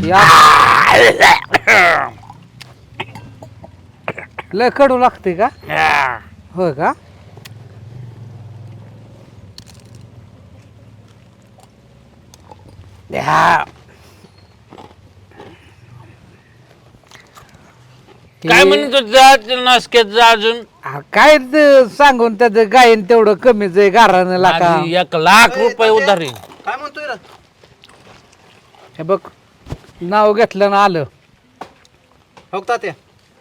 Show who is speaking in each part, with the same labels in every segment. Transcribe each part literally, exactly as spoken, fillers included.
Speaker 1: या लय कडू लागते का होय का
Speaker 2: द्या. काय म्हणतो जा नासक्यात जा अजून
Speaker 1: आ, काय ते सांगून त्याचं गायन तेवढं कमीच आहे गारानं लाका
Speaker 2: आधी एक लाख रुपये उधारी
Speaker 3: काय म्हणतोय रे
Speaker 1: हे बघ नाव घेतलं ना आलं
Speaker 3: हो तात्या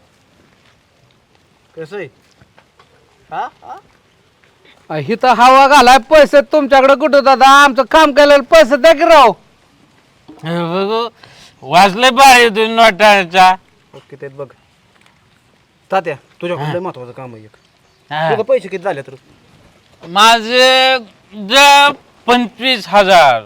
Speaker 3: कसं आहे हा हा
Speaker 1: हिथं हवा घालाय पैसे तुमच्याकडे कुठं दादा आमचं काम केलेलं पैसे द्या की राव
Speaker 2: हे बघू वाजले बाहेर दोन नोटाचा
Speaker 3: ओके ते बघ तात्या तुझ्याकडे लय महत्वाचं काम आहे एक
Speaker 2: हा.
Speaker 3: तुझं पैसे किती झाले तर
Speaker 2: माझे ज पंचवीस हजार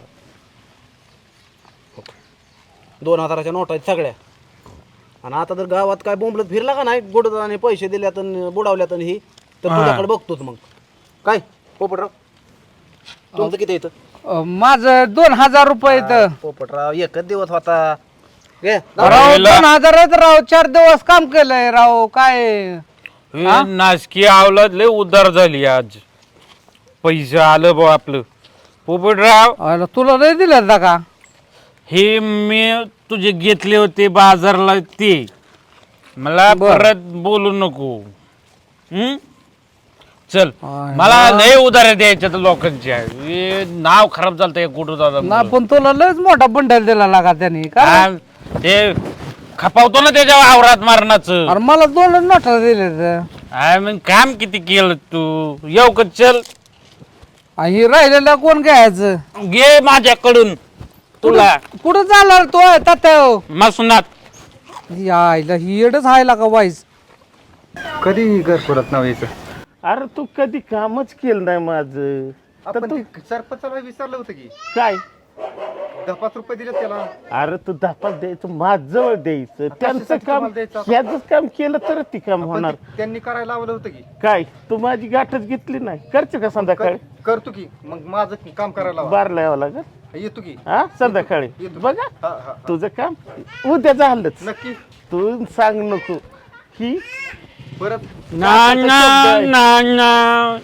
Speaker 3: दोन हजाराच्या नोटा आहेत सगळ्या आणि आता जर गावात काय बोंबलत फिरला का नाही गुडदाने पैसे दिल्यात आणि बुडावल्यात आणि ही तर
Speaker 2: हा.
Speaker 3: तुझ्याकडे बघतोच मग काय पोपटराव तुमचं किती येतं
Speaker 1: अं, माझं दोन हजार रुपये इथं
Speaker 3: पोपटराव एकच दिवस होता घे
Speaker 1: राव दोन हजारात राव चार दिवस काम केलंय राव काय
Speaker 2: हे नासकी आवलाद लय उधार झाली आज पैसे आलं बा आपलं पोपटराव
Speaker 1: अरे, तुला नाही दिलं ना का
Speaker 2: हे मी तुझे घेतले होते बाजारला ते मला
Speaker 1: बर.
Speaker 2: परत बोलू नको हम्म चल
Speaker 1: आय
Speaker 2: मला लय उधार द्यायच्या लोकांच्या हे नाव खराब झालं कुठं
Speaker 1: ना
Speaker 2: दादा
Speaker 1: पण तुला लयच मोठा बंडल दिला लागा त्यांनी का
Speaker 2: ते खपावतो ना त्याच्या वावरात मारणाचं
Speaker 1: अरे मला दोन नोटा दिले तर.
Speaker 2: आय मग काम किती केलं तू येऊ का चल
Speaker 1: आणि हे राहिलेलं कोण घ्यायचं
Speaker 2: घे माझ्याकडून तुला
Speaker 1: कुठं चालला तो तात्या
Speaker 2: मसुनात
Speaker 1: यायला ही येडच हायला का वाईस
Speaker 4: कधी घर परत नाव यायचं
Speaker 5: अरे तू कधी कामच केलं नाही माझं तर
Speaker 4: आपण
Speaker 5: तू
Speaker 4: ते सरपंचाला विचारलं होतं की
Speaker 5: काय
Speaker 4: दहा पाच रुपये दिले त्याला
Speaker 5: अरे तू धापात द्यायचं माझजवळ द्यायचं त्यांचं
Speaker 4: कशासाठी
Speaker 5: काम
Speaker 4: तुम्हाला द्यायचं?
Speaker 5: ह्याच काम केलं तरच ती काम
Speaker 4: पण
Speaker 5: होणार
Speaker 4: ते त्यांनी करायला लावलं होतं की
Speaker 5: काय तू माझी गाठच घेतली नाही करते का संध्याकाळी
Speaker 4: कर- करतो की मग माझं काम करायला लावा.
Speaker 5: बारला यावं लागत
Speaker 4: येतो की
Speaker 5: हा संध्याकाळी
Speaker 4: येतो.
Speaker 5: बघा
Speaker 4: हा, हा.
Speaker 5: तुझं काम उद्या झालंच
Speaker 4: नक्की
Speaker 5: तू सांग नको की
Speaker 4: परत
Speaker 2: ना ना ना ना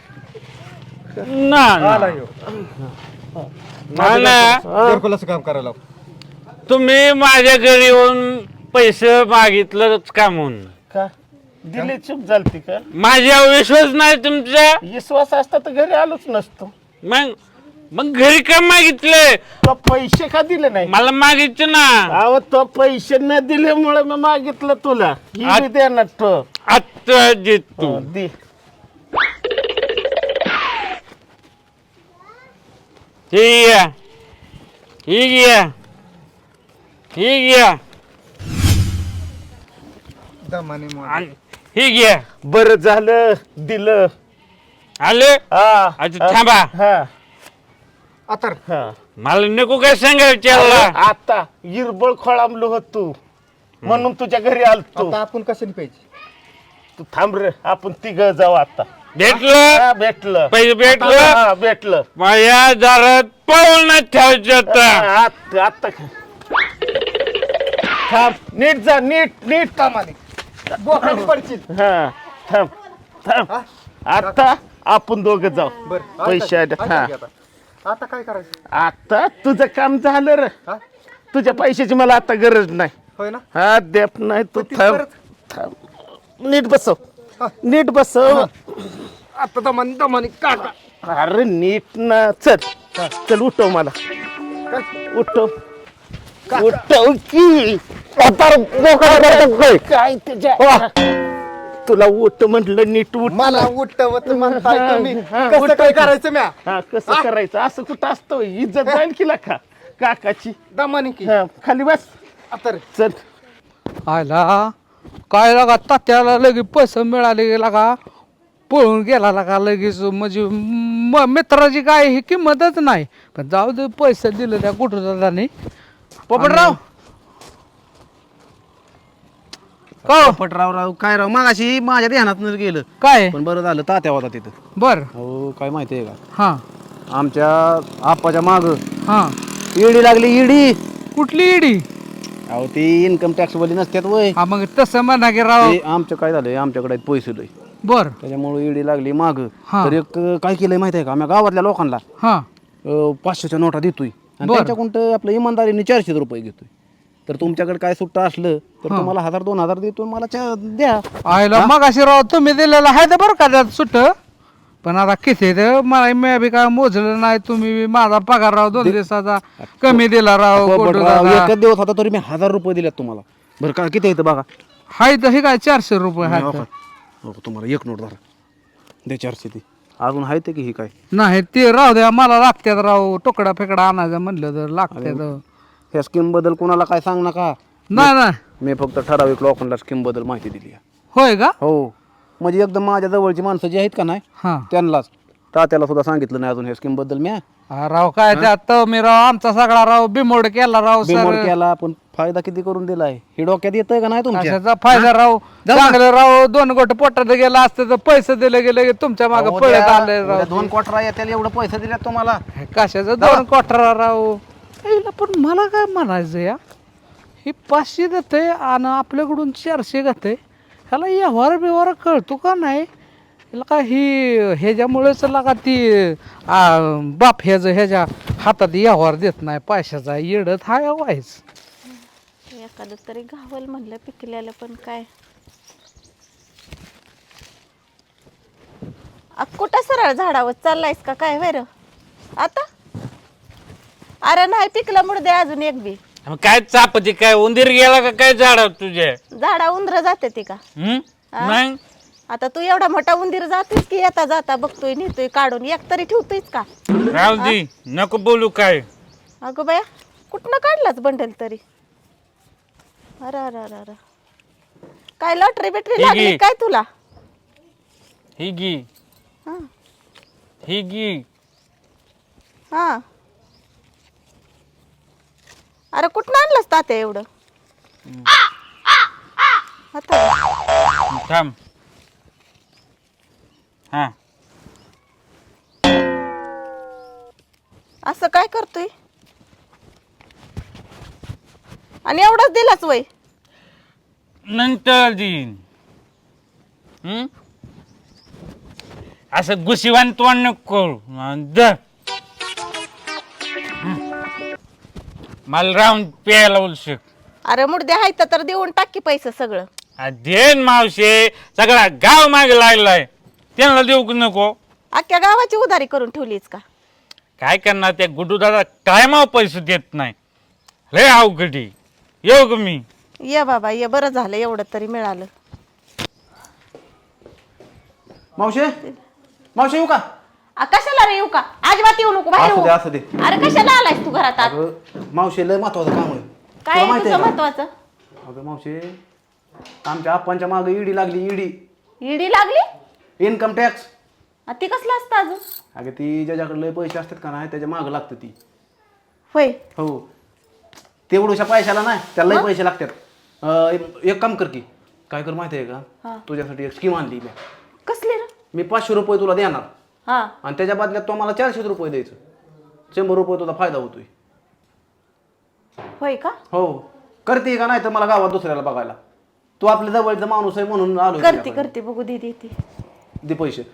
Speaker 2: ना
Speaker 4: आला
Speaker 2: ना
Speaker 4: ह्यो.
Speaker 2: ना ना
Speaker 4: घरकुलाचं काम करायला लाव.
Speaker 2: तुम्ही माझ्या घरी येऊन पैसे मागितलंच का म्हणून
Speaker 5: का दिले चूप झालती का
Speaker 2: माझ्यावर विश्वास नाही तुमचा
Speaker 5: विश्वास असता तर घरी आलोच नसतो
Speaker 2: मग मग घरी का मागितले
Speaker 5: तो पैसे का दिले नाही
Speaker 2: मला मागितलं ना
Speaker 5: अहो तो पैसे न दिल्यामुळे मी मागितलं तुला ही
Speaker 2: आ-
Speaker 5: बी देणार तो
Speaker 2: आता देतो
Speaker 5: हो, दे
Speaker 2: ही घ्या ही घ्या ही घ्या
Speaker 4: दमाने मोड.
Speaker 2: आणि ही घ्या
Speaker 5: बर झालं दिलं
Speaker 2: आले
Speaker 5: हा
Speaker 2: अच्छा थांबा
Speaker 5: हा
Speaker 4: आता
Speaker 5: हा
Speaker 2: मला नको काय सांगायचं
Speaker 5: आता इरबळ खोळांबलो होत तू म्हणून तुझ्या घरी आलतो
Speaker 4: आता आपण कशाने पाहिजे
Speaker 5: तू थांब रे आपण तिघ जाऊ आता
Speaker 2: भेटलं
Speaker 5: हा, भेटलं
Speaker 2: पैसे भेटलं
Speaker 5: हा, भेटलं
Speaker 2: माझ्या दारात पाऊल नाही ठेवायचं आता
Speaker 5: हा, आता आता थांब नीट जा नीट नीट
Speaker 4: कामाने बोकाने पडशील
Speaker 5: हा थांब थांब आता आपण दोघं जाऊ
Speaker 4: बरं
Speaker 5: पैसे आले.
Speaker 4: ऐका
Speaker 5: हा
Speaker 4: की आता आता काय करायचं
Speaker 5: आता तुझं काम झालं रे
Speaker 4: हा
Speaker 5: तुझ्या पैशाची मला आता गरज नाही
Speaker 4: होय ना
Speaker 5: हा देत नाही तू
Speaker 4: पण ती
Speaker 5: थांब
Speaker 4: परत-
Speaker 5: थांब नीट बसव नीट बसव
Speaker 4: आता दमाने दमाने काका
Speaker 5: अरे नीट ना चल चल उठव मला
Speaker 4: काय
Speaker 5: उठव उठव की काय त्याच्या तुला उठ म्हटलं नीट उठ
Speaker 4: मला उठवत म्हणताय तुम्ही
Speaker 5: हा,
Speaker 4: कसं
Speaker 5: उठव
Speaker 4: काय
Speaker 5: की.
Speaker 4: करायचं म्या
Speaker 5: हा कसं करायचं असं कुठं असतं होय? इज्जत जाईल की का काकाची
Speaker 4: दमाने की
Speaker 5: हा, खाली बस
Speaker 4: आता रे.
Speaker 5: चल
Speaker 1: आयला काय लागा तात्याला लगेच पैसे मिळाले लागा पळून गेला लागा लगेच म्हणजे म- मित्राची काय ही किंमतच नाही पण जाऊ दे पैसे दिले त्या कुठं दादानी पोपटराव का हो?
Speaker 3: पोपटराव राव काय राव मागाशी माझ्या ध्यानात गेलं
Speaker 1: काय
Speaker 3: पण बरं झालं तात्या होता तिथं
Speaker 1: बर
Speaker 3: हो काय माहिती आहे का
Speaker 1: हा
Speaker 3: आमच्या आप्पाच्या माग
Speaker 1: हा
Speaker 3: इडी लागली इडी
Speaker 1: कुठली इडी
Speaker 3: अहो ते इन्कम टॅक्स वाली नसतात वय
Speaker 1: हा मग तसं म्हणा की राव
Speaker 3: ते आमचं काय झालंय आमच्याकडे आहेत पैसे लय
Speaker 1: बर
Speaker 3: त्याच्यामुळे ईडी लागली माग
Speaker 1: हा.
Speaker 3: तर एक अं, काय केलंय माहिती आहे का आम्ही गावातल्या लोकांना
Speaker 1: हा
Speaker 3: अं, पाचशेच्या नोटा देतोय आणि
Speaker 1: बरं.
Speaker 3: त्यांच्याकडून आपलं इमानदारीने चारशे रुपये घेतोय तर तुमच्याकडे काय सुट्टा असलं तर तुम्हाला हजार दोन हजार देतो मला चा- द्या
Speaker 1: आयला मग अशी राव तुम्ही दिलेलं आहे तर बरं का त्यात सुट पण आता किती तर मला मी बी काय मोजलं नाही तुम्ही बी माझा पगार राव दोन दिवसाचा कमी दिला राव
Speaker 3: पण
Speaker 1: गोटू
Speaker 3: राव,
Speaker 1: दादा.
Speaker 3: एकच दिवस होता तरी मी हजार रुपये दिल्यात तुम्हाला बरं का किती येतं बघा
Speaker 1: हाय तर हे काय चारशे रुपये
Speaker 3: हो
Speaker 1: हाय
Speaker 3: का? हो, तुम्हाला एक नोट धरा द्या चारशे ती अजून आहे ते की ही काय
Speaker 1: नाही ते राहू द्या मला लागत्यात राव तुकडा फेकडा आणायचं म्हणलं तर लागत्यात
Speaker 3: ह्या स्कीम बद्दल कोणाला काय सांग नका
Speaker 1: नाही नाही
Speaker 3: मी फक्त ठराविक लोकांना स्कीम बद्दल माहिती दिली आहे.
Speaker 1: होय का
Speaker 3: हो म्हणजे एकदम माझ्या जवळची माणसं जी आहेत का नाही
Speaker 1: हा
Speaker 3: त्यांनाच तात्याला सुद्धा सांगितलं नाही अजून ह्या स्कीम बद्दल मी
Speaker 1: हा, राव काय त्यात मी राव आमचा सगळा राव बिमोड केला राव
Speaker 3: बिमोड
Speaker 1: सर
Speaker 3: केला पण फायदा किती करून दिलाय हे डोक्यात येतंय का नाही तुमच्या
Speaker 1: कशाचा फायदा राव चांगलं राव दोन गोट पोटात गेला असतं तर पैसे दिले गेले की तुमच्या मागे
Speaker 3: अहो,
Speaker 1: पळत
Speaker 3: त्या-
Speaker 1: आले राव
Speaker 3: उद्या दोन क्वार्टर येतील एवढं पैसे दिल्यात तुम्हाला
Speaker 1: कशाचं दोन कोठरा राव हिला पण मला काय म्हणायचं या ही पाचशे देते आणि आपल्याकडून चारशे घेते ह्याला व्यवहार बिवहार कळतो का नाही हिला का ही ह्याच्यामुळेच लागा ती आ, बाप ह्याचं ह्याच्या हातात व्यवहार देत नाही पैशाचा येडत हा व्हायच
Speaker 6: एखादं तरी घावल म्हणलं पिकल्याला पण काय आ, कुठं सरळ झाडावर चाललायस का काय वैर आता अरे नाही पिकलं मुडदे अजून एक बी
Speaker 2: मग काय चापती काय उंदीर गेला का काय झाडा तुझ्या
Speaker 6: झाडा उंदर जाते ती का
Speaker 2: हम्म? नाही
Speaker 6: आता तू एवढा मोठा उंदीर जातोस की येता जाता बघतोय नेतोय काढून एक तरी ठेवतोयस का
Speaker 2: राहू दे नको बोलू काय
Speaker 6: अगं बाया कुठनं काढलाच बंडल तरी अरे अरे अरे अरे काय लॉटरी बिटरी
Speaker 2: ही
Speaker 6: लागली
Speaker 2: घे.
Speaker 6: काय तुला
Speaker 2: ही गी
Speaker 6: हा
Speaker 2: ही गी
Speaker 6: हा अरे कुठं आणलंस तात्या एवढं आता
Speaker 2: थांब हा
Speaker 6: असं काय करतोय आणि एवढंच दिलाच वय
Speaker 2: नंतर देईन हम्म? असं गुशिवान तोंड नको करू. अन द हम्म. मला राहून प्यायला उलशक
Speaker 6: अरे मुडदे हाय तर देऊन टाकी पैसे सगळं
Speaker 2: देन मावशे सगळा गाव मागे लागलाय त्यांना देऊ की नको
Speaker 6: अख्ख्या गावाची उधारी करून ठेवलीच का
Speaker 2: काय करणार त्या गुड्डू दादा कायमाव पैसे देत नाही लय अवघडी येऊ का मी
Speaker 6: ये बाबा ये बरं झालं एवढं तरी मिळालं
Speaker 3: मावशे मावशे येऊ का
Speaker 6: आ, कशाला रे येऊ का अजिबात येऊ नको बाहेर
Speaker 3: असू
Speaker 6: हो.
Speaker 3: दे असू दे
Speaker 6: अरे कशाला आलायस तू घरात आत?
Speaker 3: अगं मावशे लय महत्वाचं काम आहे
Speaker 6: काय
Speaker 3: तुला
Speaker 6: आहे
Speaker 3: माहिती
Speaker 6: तुझं
Speaker 3: आहे का?
Speaker 6: महत्वाचं
Speaker 3: अगं मावशे आमच्या आप्पांच्या मागे ईडी लागली ईडी
Speaker 6: ईडी लागली
Speaker 3: इन्कम टॅक्स
Speaker 6: आ, ती कसलं असतं अजून
Speaker 3: अगं ती ज्याच्याकडे लय पैसे असतात का नाही त्याच्या मागं लागतं ती
Speaker 6: होय
Speaker 3: हो तेवढ्याशा पैशाला नाही त्याला लय पैसे लागतात अं, एक- एक काम कर की काय कर माहिती आहे
Speaker 6: हा.
Speaker 3: का तुझ्यासाठी एक स्कीम आणली मी
Speaker 6: कसली रे
Speaker 3: मी पाचशे रुपये तुला देणार
Speaker 6: हा
Speaker 3: आणि त्याच्या बदल्यात तो मला चारशे रुपये द्यायचं शंभर रुपये तुझा फायदा होतोय
Speaker 6: होय का
Speaker 3: हो करते का नाही तर मला गावात दुसऱ्याला बघायला तू आपल्या जवळचा माणूस आहे म्हणून आलो
Speaker 6: करते करते बघू दे दे ती
Speaker 3: दे पैसे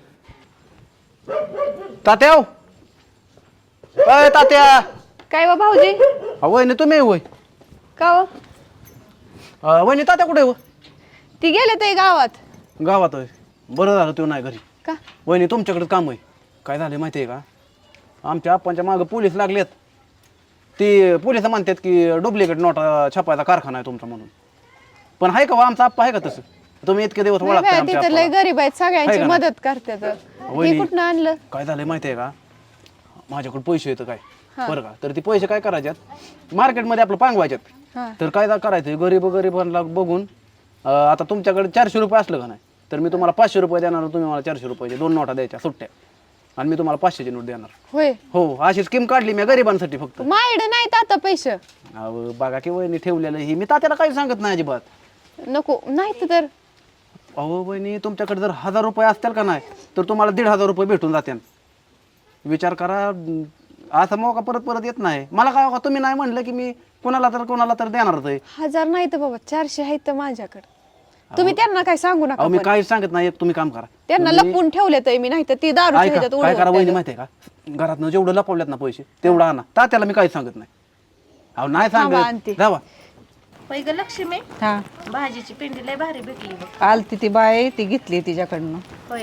Speaker 3: तात्या हो. अय तात्या
Speaker 7: काय व भाऊजी
Speaker 3: अ, वहिनी तुम्ही होय
Speaker 7: का व
Speaker 3: अ, वहिनी तात्या कुठे हो
Speaker 7: ती गेले ते गावात
Speaker 3: गावात होय बरं झालं तो नाही घरी
Speaker 7: का
Speaker 3: वहिनी तुमच्याकडे काम आहे काय झालं माहिती आहे का आमच्या आप्पांच्या मागं पोलीस लागलेत ते पोलिस म्हणतात की डुप्लिकेट नोटा छापायचा कारखाना आहे तुमचा म्हणून पण आहे का हो, आमचा आप्पा आहे का तसं तुम्ही इतके दिवस
Speaker 7: नाही
Speaker 3: ओळखताय
Speaker 7: बाया,
Speaker 3: आमच्या
Speaker 7: तिथं लय
Speaker 3: आप्पाला.
Speaker 7: गरीब आहेत
Speaker 3: आहे
Speaker 7: सगळ्यांची
Speaker 3: का नाही?
Speaker 7: मदत करतात
Speaker 3: वहिनी.
Speaker 7: हे कुठनं आणलं
Speaker 3: काय झालंय माहिती आहे का माझ्याकडे पैसे येतं काय बरं का तर ते पैसे काय करायच्यात मार्केटमध्ये आपलं पांगवायच्यात
Speaker 7: हा
Speaker 3: तर काय करायचं गरीब गरीबांना बघून अं, आता तुमच्याकडे चारशे रुपये असलं का नाही तर मी तुम्हाला पाचशे रुपये देणार तुम्ही मला चारशे रुपयाचे दोन नोटा द्यायच्या सुट्ट्या आणि मी तुम्हाला पाचशेची नोट देणार
Speaker 7: होय
Speaker 3: हो अशी स्कीम काढली मी गरिबांसाठी फक्त
Speaker 7: मायड नाहीत आता पैसे
Speaker 3: अहो बघा की वहिनी ठेवलेलं ही मी तात्याला काही सांगत नाही अजिबात
Speaker 7: नको नाहीत तर
Speaker 3: अहो वहिनी तुमच्याकडे जर हजार रुपये असतील का नाही तर तुम्हाला दीड हजार रुपये भेटून जातील विचार करा अं, असा मौका परत परत येत नाही मला काय तुम्ही नाही म्हणलं की मी कोणाला तर कोणाला तर देणारच आहे.
Speaker 7: हजार नाही तर बाबा चारशे आहेत तर माझ्याकडे. तुम्ही त्यांना काय सांगू नका
Speaker 3: अहो मी
Speaker 7: पण.
Speaker 3: काहीच सांगत नाही, तुम्ही काम करा.
Speaker 7: त्यांना लपून ठेवले तर मी नाही तर ती दारू
Speaker 3: ऐका काय करा वहिनी माहितीये का, घरातनं जेवढं लपवल्यात ना पैसे तेवढं आणा. तात्याला मी काहीच सांगत नाही. अहो नाही
Speaker 7: थांबा,
Speaker 3: सांगत
Speaker 7: आणते.
Speaker 3: जावा.
Speaker 6: होय ग लक्ष्मी,
Speaker 8: हा
Speaker 6: भाजीची पिंडी लय भारी भेटली बघ.
Speaker 8: आलती ती बाय ती घेतली तिच्याकडनं.
Speaker 6: होय,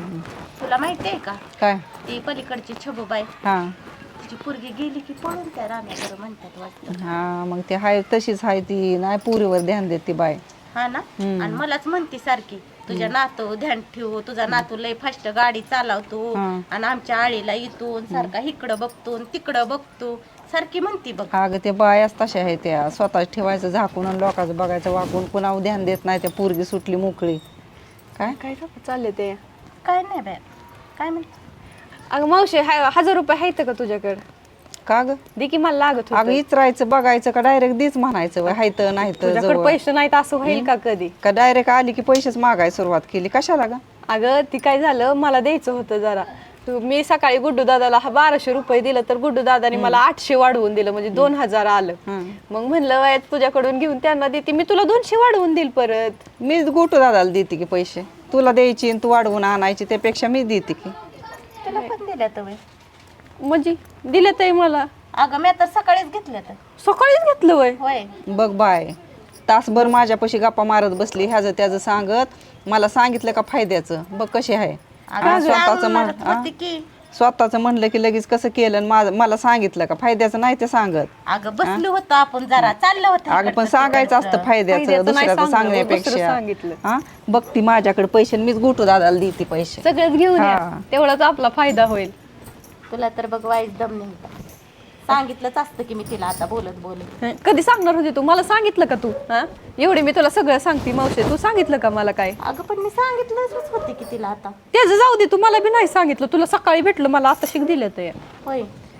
Speaker 6: तुला माहितीये का
Speaker 8: काय
Speaker 6: ती पलीकडची छबूबाई,
Speaker 8: हा
Speaker 6: तिची पोरगी गेली की पळून त्या राण्याकडे म्हणतात वाटतं.
Speaker 8: हा मग ते हाय तशीच हाय ती नाही पुरीवर ध्यान देत ती बाय.
Speaker 6: हा ना, आणि मलाच म्हणती सारखी तुझ्या नातू ध्यान ठेवू, तुझा नातू लय फास्ट गाडी चालवतो आणि आमच्या आळीला येतो सारखा इकडं बघतो तिकडं बघतो सारखी म्हणती बघ.
Speaker 8: अगं ते बायाच तशा आहे त्या, स्वतः ठेवायचं झाकून आणि लोकांचं बघायचं वाकून, कुणावर ध्यान देत नाही. त्या पोरगी सुटली मोकळी. काय
Speaker 7: काय चालले ते.
Speaker 6: काय नाही बाय, काय म्हणते.
Speaker 7: अगं मावशी हाय- हजार रुपये आहेत का तुझ्याकडे?
Speaker 8: का ग
Speaker 7: दे की मला लागत
Speaker 8: अगं
Speaker 7: होतं.
Speaker 8: इचरायचं बघायचं का डायरेक्ट दीच म्हणायचं हायत नाही
Speaker 7: तुझ्याकडे
Speaker 8: तर
Speaker 7: पैसे नाहीत असं होईल का कधी?
Speaker 8: का डायरेक्ट आली की पैसेच मागाय सुरुवात केली कशाला ग?
Speaker 7: अगं ती काय झालं, मला द्यायचं होतं जरा. तू- मी सकाळी गुड्डू दादाला हा बाराशे रुपये दिलं तर गुड्डू दादाने मला आठशे वाढवून दिलं, म्हणजे दोन हजार आलं. मग म्हणलं "वय, तुझ्याकडून घेऊन त्यांना देते मी, तुला दोनशे वाढवून देईल परत."
Speaker 8: मीच गोटू दादाला देते की पैसे, तुला द्यायची आणि तू वाढवून आणायची त्यापेक्षा मी देते की.
Speaker 6: तुला पण दिल्या तर वय.
Speaker 7: म्हणजे दिलं ते मला
Speaker 6: अगं मी आता सकाळीच घेतल्या तर.
Speaker 7: सकाळीच घेतलं वय.
Speaker 6: होय,
Speaker 8: बघ बाय, तासभर माझ्यापाशी गप्पा मारत बसली ह्याचं त्याचं सांगत, मला सांगितलं का फायद्याचं बघ कशी आहे. हा, स्वतःचं म्हण
Speaker 6: म्हणत होती की
Speaker 8: स्वतःचं म्हणलं की लगेच कसं केलं आणि माझं मला सांगितलं का फायद्याचं नाही ते सांगत.
Speaker 6: अगं बसलो होतो आपण जरा चाललं होतं
Speaker 8: अगं पण
Speaker 6: इकडचं
Speaker 8: सांगायचं
Speaker 6: तिकडचं.
Speaker 8: असतं फायद्याचं
Speaker 7: फायद्याचं नाही
Speaker 8: दुसऱ्याचं
Speaker 7: सांगलं, दुसरं
Speaker 8: सांगण्यापेक्षा.
Speaker 7: सांगितलं.
Speaker 8: हा बघ ती माझ्याकडे पैसे आणि मीच गोटू दादाला देते पैसे.
Speaker 7: सगळंच घेऊन या,
Speaker 8: हा.
Speaker 7: तेवढाच आपला फायदा होईल.
Speaker 6: तुला तर बघ वाईट दम नाही होता. सांगितलंच असतं की मी तिला आता बोलत बोलत.
Speaker 7: हं, कधी सांगणार होती तू मला? सांगितलं का तू? हा एवढी मी तुला सगळं सांगते मावशी, तू सांगितलं का मला काय?
Speaker 6: अगं पण मी सांगितलंच होते की तिला आता.
Speaker 7: त्याचं जाऊ दे, तू मला बी नाही सांगितलं. तुला सकाळी भेटलं, मला आता शिक दिलं तर.
Speaker 6: होय,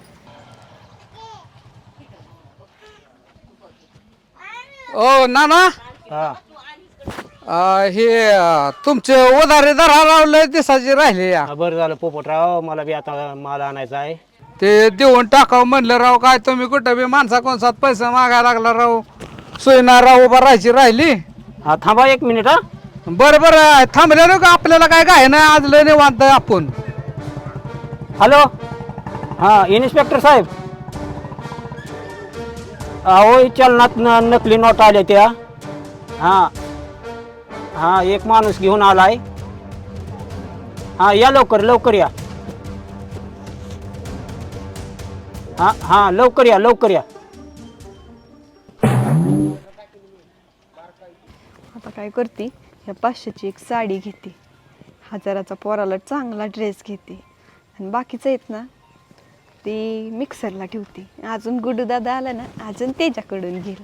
Speaker 1: ओ नाना,
Speaker 5: हा
Speaker 1: अं, हे अं, तुमचे उधारे दरा लावले दिसाची राहिले या.
Speaker 5: हा, बरं झालं पोपटराव, मला बी आता माल आणायचा आहे.
Speaker 1: ते देऊन टाकावं म्हणलं राव. काय तुम्ही कुठं बी माणसा कोणसात पैसे मागायला लागला राव. सोयना राव उभा राहायची राहिली.
Speaker 5: हा थांबा एक मिनिट. हा
Speaker 1: बरं बरं थांबले का आपल्याला काय काय नाही, आज लय निवांत आहे आपण.
Speaker 5: हॅलो, हा इन्स्पेक्टर साहेब, अहो चलनात न- नकली नोट आल्या त्या. हा हा एक माणूस घेऊन आलाय. हा या लवकर लवकर या. हा हा लवकर या लवकर या.
Speaker 7: आता काय करते, ह्या पाचशेची एक साडी घेते, हजाराचा पोराला चांगला ड्रेस घेते, आणि बाकीचं आहेत ना ते मिक्सरला ठेवते. अजून गुड्डू दादा आला ना, अजून त्याच्याकडून घेईल.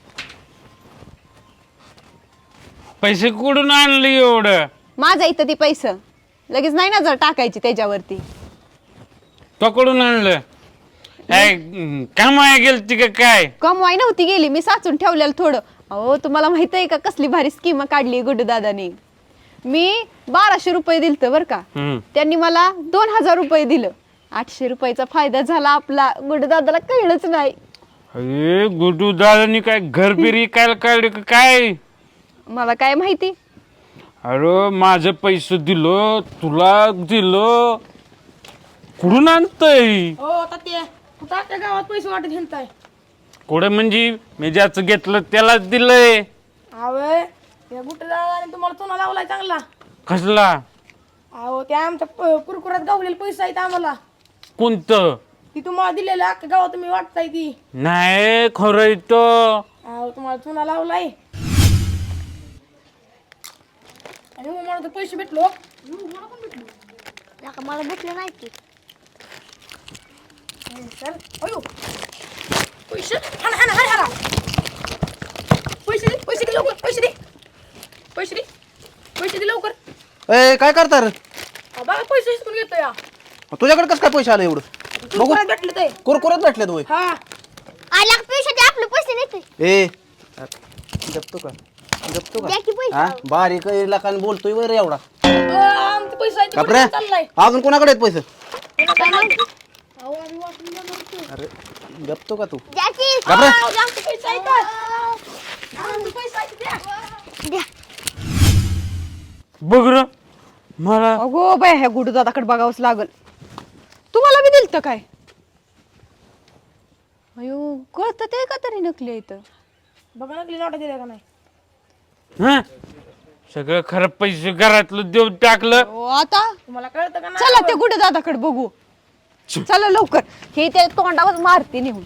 Speaker 2: पैसे कुठून आणले एवढं?
Speaker 7: माझा इथं ती पैसे लगेच नाही ना जर टाकायची त्याच्यावरती.
Speaker 2: पकडून आणलं? काय कामाया गेलती का काय?
Speaker 7: कमवाई नव्हती गेली, मी साचून ठेवलेलं थोडं. अहो तुम्हाला माहित आहे का कसली भारी स्कीम काढली गुड्डू दादाने. मी बाराशे रुपये दिलत बर का,
Speaker 2: हम्म.
Speaker 7: त्यांनी मला दोन हजार रुपये दिलं. आठशे रुपयाचा फायदा झाला आपला. गुड्डू दादाला कळलंच नाही.
Speaker 2: अरे गुडू दादानी काय घर बिरी काय काढले का काय?
Speaker 7: मला काय माहिती.
Speaker 2: अरे माझं पैसे दिलं, तुला दिलं, कुठून आणतय?
Speaker 9: हो तात्या, कुठं आपल्या गावात पैसे वाटत घेताय?
Speaker 2: कुठे म्हणजे मी ज्याचं घेतलं त्यालाच दिलंय.
Speaker 9: अवे या गुट्टे दादाने तुम्हाला चुना लावलाय चांगला.
Speaker 2: कसला?
Speaker 9: अहो त्या आमच्या प- कुरकुरात गावलेले पैसे आहेत आम्हाला.
Speaker 2: कोणतं?
Speaker 9: ती तुम्हाला दिलेलं अख्ख्या गावात तुम्ही वाटताय ती.
Speaker 2: नाही खरं इथं.
Speaker 9: अहो तुम्हाला चुना लावलाय आणि मग मला तर पैसे भेटलो.
Speaker 6: मला भेटलं नाही की.
Speaker 9: चल अयो पैसे हाना हाना हाना हाना. पैसे दे पैसे दे लवकर. पैसे दे पैसे दे पैसे दे लवकर.
Speaker 3: ए काय करता रे?
Speaker 9: अहो, बघा पैसे हिसकून घेतो या.
Speaker 3: तुझ्याकडे कसं काय पैसे आले एवढं? बघू
Speaker 9: कुरकुरात भेटले ते.
Speaker 3: कुरकुरत भेटले तू.
Speaker 9: हा
Speaker 6: आला पैसे दे, आपले पैसे नेते.
Speaker 3: ए जपतो का जपतो का हा बारीक लाखान बोलतोय वर एवढा.
Speaker 9: अहो, आमचे पैसे आहेत
Speaker 3: बापरे
Speaker 9: तिकडे चाललाय.
Speaker 3: अजून कोणाकडे आहेत पैसे?
Speaker 9: अहो, आम्ही वाटून जाणार होतो.
Speaker 3: अरे गपतो का तू
Speaker 9: आव, जास्त पैसे आहेत तर. जास्त पैसे आहेत, द्या.
Speaker 2: बघ र मला
Speaker 7: अगो बाय ह्या गुडू दादाकडे बघावंच लागल. तुम्हाला बी दिलत काय? अयो कळत ते का तरी नकली इथं.
Speaker 9: बघा नकली नोटा दिल्या का नाही.
Speaker 2: हं? सगळं खरं पैसे घरातलं देऊन टाकलं.
Speaker 7: ओ, आता
Speaker 9: तुम्हाला कळतं का नाही.
Speaker 7: चला ते गुडू दादाकडे बघू. चला लवकर. हे त्या तोंडावर मारते नेऊन.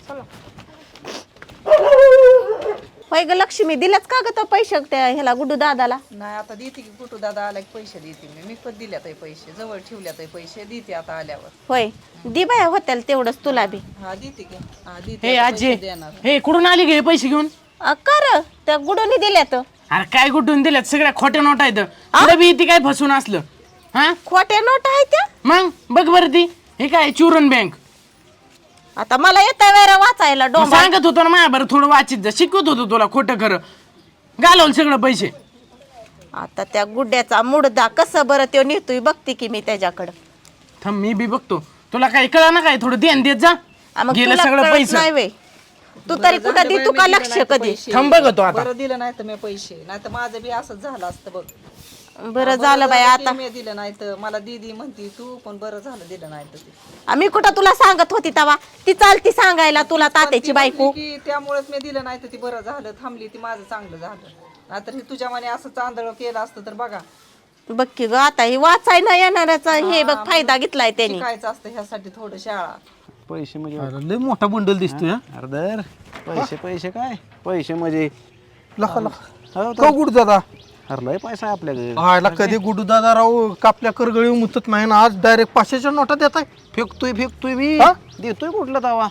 Speaker 6: होय ग लक्ष्मी दिल्याच का ग तो पैसे त्या ह्याला गुड्डू दादाला?
Speaker 8: नाही आता देते की कुठं दादा आला की पैसे देते मी मी पण दिल्यात आहे पैसे जवळ ठेवल्यात आहे पैसे देते आता आल्यावर.
Speaker 6: होय दि बाया होत्याल तेवढंच तुला बी.
Speaker 8: हा देते की हा देते
Speaker 10: हे
Speaker 8: आता
Speaker 10: आजी
Speaker 8: पैसे देणार.
Speaker 10: हे कुठून आली गे पैसे घेऊन?
Speaker 6: अ, कर त्या गुडूनी दिल्यात.
Speaker 10: अरे काय कुठून दिल्यात सगळ्या खोट्या नोट आहेत पुढे बी ती काय फसून असलं हा
Speaker 6: खोट्या नोट आहेत त्या.
Speaker 10: मग बघ बरं ती हे काय चुरण बँक
Speaker 6: आता मला येता वेळा वाचायला डोंबा.
Speaker 10: सांगत होतो ना माझ्या बरं थोडं वाचित जा शिकवत होतो तुला खोटं खरं घालवलं सगळं पैसे.
Speaker 6: आता त्या गुड्ड्याचा मुडदा कसं बरं त्यो नेतोय बघते की मी त्याच्याकडं.
Speaker 10: थांब मी बी बघतो तुला काही कळा ना काय थोडं ध्यान देत जा.
Speaker 6: आ, मग
Speaker 10: गेलं
Speaker 6: तुला
Speaker 10: सगळं
Speaker 6: कळत
Speaker 10: पैसे
Speaker 6: नाही व्हय. तू तरी कुठं दे तू का लक्ष कधी.
Speaker 10: थांब बघतो आता.
Speaker 8: बरं दिलं नाही तर मी पैसे नाही तर माझं बी असंच झालं असतं बघ.
Speaker 6: बरं झालं बाई आता.
Speaker 8: मी दिलं नाही तर मला दीदी म्हणती तू पण बरं झालं दिलं नाही तर ते.
Speaker 6: आम्ही कुठं तुला सांगत होती तवा ती चालती सांगायला तुला तात्याची बायको.
Speaker 8: की त्यामुळेच मी दिलं नाही तर ती बरं झालं थांबली ती माझं चांगलं झालं नाहीतर हे तुझ्या मने असं चांदळ केलं असतं तर बघा
Speaker 6: बघ की ग आता हे वाचाय न येणाऱ्याचा हे बघ फायदा घेतलाय त्यांनी.
Speaker 8: शिकायचं असतं ह्यासाठी थोडं शाळा.
Speaker 3: पैसे म्हणजे
Speaker 4: अरे, लय मोठा बंडल दिसतोय हा.
Speaker 3: अरे दर पैसे पैसे काय पैसे म्हणजे
Speaker 4: लका लका
Speaker 3: हो
Speaker 4: का
Speaker 3: तर.
Speaker 4: गुडू दादा
Speaker 3: अरे लय पैसा आहे आपल्याकडे.
Speaker 4: आयला कधी गुडू दादा राव कापल्या करगळी मुतत नाही ना आज डायरेक्ट पाचशेच्या नोटा देत आहे.
Speaker 3: फेकतोय फेकतोय मी
Speaker 4: हा?
Speaker 3: देतोय कुठला तवा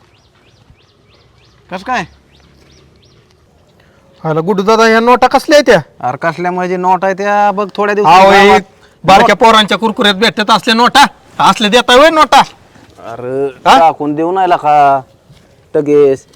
Speaker 3: कस काय.
Speaker 4: आयला गुडू दादा ह्या नोटा कसल्या आहेत त्या?
Speaker 3: अरे कसल्या म्हणजे नोट आहे त्या बघ थोड्या
Speaker 4: अहो, हे
Speaker 3: दिवसात
Speaker 4: बारक्या पोरांच्या कुरकुऱ्यात भेटत असल्या नोटा असले देताय होय नोटा.
Speaker 3: अरे टाकून देऊ नाही का टगेस.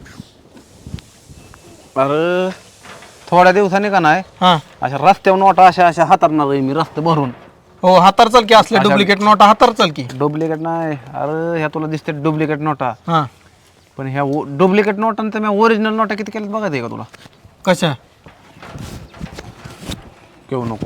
Speaker 3: अरे थोड्या दिवसांनी का नाही
Speaker 4: हा
Speaker 3: अशा रस्त्यावर नोटा अशा अशा हाताळणार आहे मी रस्ते भरून.
Speaker 4: हो हातार चाल की असल्या डुप्लिकेट नोटा हातार चाल की.
Speaker 3: डुप्लिकेट नाही अरे ह्या तुला दिसते डुप्लिकेट नोटा
Speaker 4: हा
Speaker 3: पण ह्या डुप्लिकेट नोटांचं मी ओरिजिनल नोटा किती केल्यात बघा ते का तुला.
Speaker 4: कशा
Speaker 3: घेऊ नको.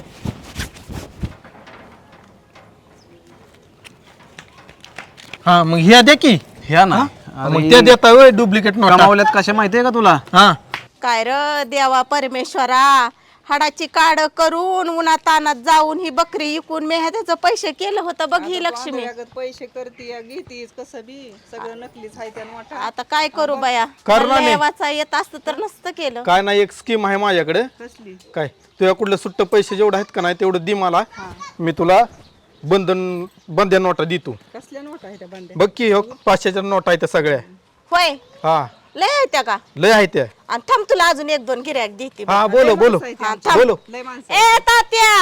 Speaker 4: हा मग ह्या द्या की.
Speaker 3: ह्या ना
Speaker 4: मग त्या देताय होय डुप्लिकेट नोटा.
Speaker 3: कमावल्यात कशा माहितीये का तुला.
Speaker 4: हा
Speaker 6: काय र देवा परमेश्वरा हाडाची काड करून उन्हा तानात जाऊन ही बकरी इकून मी ह्याचं पैसे केलं होतं बघ ही लक्ष्मी.
Speaker 8: वांद्र्यागत पैसे करते घेतीस कसं बी सगळं नकलीच आहे त्या नोटा.
Speaker 6: आता काय करू बाया
Speaker 4: करणार नाही.
Speaker 6: वाचा येत असतं तर नसतं केलं.
Speaker 4: काय नाही एक स्कीम आहे माझ्याकडे.
Speaker 8: कसली
Speaker 4: काय तुझ्या कुठलं सुट्ट पैसे जेवढं आहेत का नाही तेवढं दे मला मी तुला बंधन बंद्या नोटा देतो.
Speaker 8: कसल्या नोटा आहे त्या बंड्या.
Speaker 4: बघ की हो पाचशेच्या नोटा आहेत त्या सगळ्या.
Speaker 6: होय
Speaker 4: हा
Speaker 6: लय आहे त्या का.
Speaker 4: लय आहेत त्या.
Speaker 6: आणि थांब तुला अजून एक दोन गिऱ्हाईक देते
Speaker 4: हा बोलो बोलो
Speaker 6: हा, थांब.
Speaker 4: बोलो.
Speaker 8: लय माणसं
Speaker 6: ए तात्या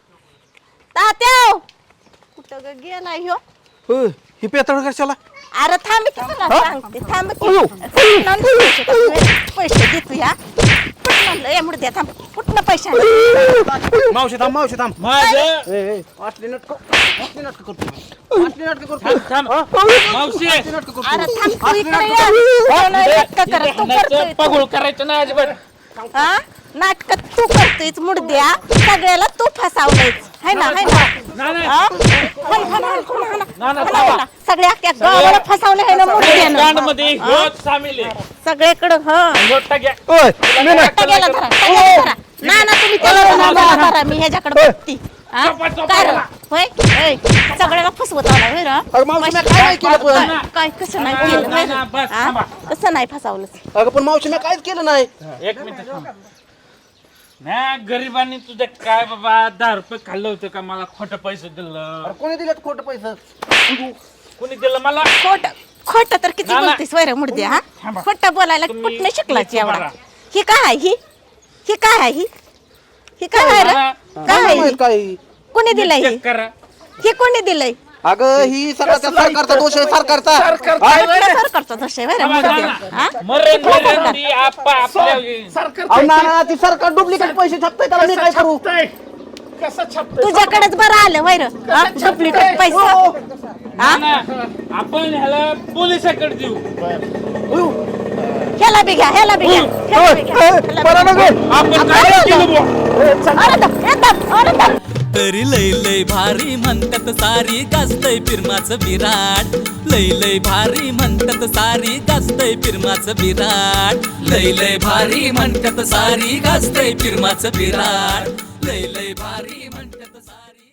Speaker 6: तात्या कुठं ग गेला ह्यो.
Speaker 4: हो, ही पेतळ कशाला.
Speaker 6: अरे थांब की तुला सांगते थांब की कुठनं पैसे देतो या कुठं म्हणलं ए मुडद्या थांब कुठनं पैसे आणले?
Speaker 3: मावशी थांब मावशी थांब.
Speaker 2: माझं
Speaker 3: ए, ए, असली नाटकं असली नाटकं करतो असली नाटकं करतो.
Speaker 2: थांब. मावशी
Speaker 6: अरे थांब तू इकडे ये. हो ना, नाटकं करत तू करतोय तू.
Speaker 2: पगोळ करायचं ना अजिबात.
Speaker 6: हा नाटक तू करतोयच मुडद्या सगळ्याला तू फसावलंयच है ना है ना हा? हाण, हाण, हाण, हाण, हाण, हाण, हाण. सगळ्या अख्ख्या गावाला फसावलं आहे ना मुडद्यानं.
Speaker 2: गांडमध्ये ह्योच सामील आहे.
Speaker 6: सगळीकडं हा
Speaker 2: मोठा घ्या.
Speaker 4: ओय,
Speaker 6: मोठा गेला धरा, मोठा गेला धरा. ना ना तुम्ही त्याला ना मला धरा, मी ह्याच्याकडे बघती हा? काय रे? होय होय सगळ्याला फसवत आला होय रा?
Speaker 3: अरे मावशी मी काय नाही केलं पण.
Speaker 6: काय काय कसं नाही केलं होय रा?
Speaker 2: बस,
Speaker 6: हा?
Speaker 2: थांबा.
Speaker 6: कसं नाही फसावलं.
Speaker 3: अगं पण मावशी मी काहीच केलं नाही.
Speaker 2: एक मिनिट थांब. नाही गरिबांनी तुझं काय बाबा दहा रुपये खाल्लं होतं का मला खोटं पैसे दिलं.
Speaker 3: अरे कोणी दिलेत खोटं पैसे.
Speaker 2: कोणी दिलं मला.
Speaker 6: खोट खोट तर किती
Speaker 2: ना, ना.
Speaker 6: बोलतेस वैर मुडद्या हा
Speaker 2: थांबा.
Speaker 6: खोटं बोलायला
Speaker 2: तुम्ही-
Speaker 6: कुठनं शिकलाच
Speaker 2: तुम्ही
Speaker 6: एवढा.
Speaker 2: बघा.
Speaker 6: ही काय आहे ही ही काय आहे ही ही काय आहे रे?
Speaker 2: मला
Speaker 6: काय आहे ही?
Speaker 3: काही
Speaker 6: कोणी दिलंय हे
Speaker 2: चेक करा.
Speaker 6: हे कोणी दिलंय
Speaker 3: अगं ही सगळा त्या सरकारचा दोष आहे सरकारचा.
Speaker 6: कुठलं सरकारचा दोष आहे वैर मुडद्या हा?
Speaker 2: मरण मरण ती आपा आपल्या
Speaker 3: अहो ना ना ती सरकार डुप्लिकेट पैसे छापतंय त्याला मी काय करू.
Speaker 10: कसं छाप
Speaker 6: तुझ्याकडेच बरं आलं वैर डुप्लिकेट पैसा
Speaker 2: आपण ह्याला पोलिसाकडे देऊ
Speaker 6: ह्याला बी घ्या ह्याला बी घ्या ह्याला बी घ्या, ह्याला बी घ्या.
Speaker 2: आपण काय केलं बुवा?
Speaker 6: अरे दा, ए दा, अरे दा.
Speaker 11: तरी लय लय भारी म्हणतात सारी गाजतय फिरमाचं विराट लय लय भारी म्हणतात सारी गाजतय फिरमाचं विराट लय लय भारी म्हणतात सारी गाजतय फिरमाचं विराट लय लय भारी म्हणतात सारी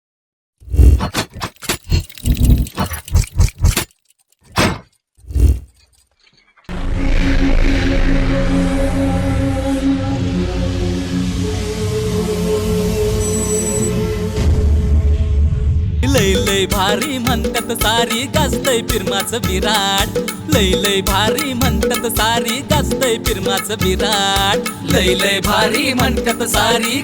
Speaker 11: लय लय भारी म्हणतात सारी गाजतय फिरमाचं विराट लय लय भारी म्हणतात सारी गाजतय फिरमाचं विराट लय लय भारी म्हणतात सारी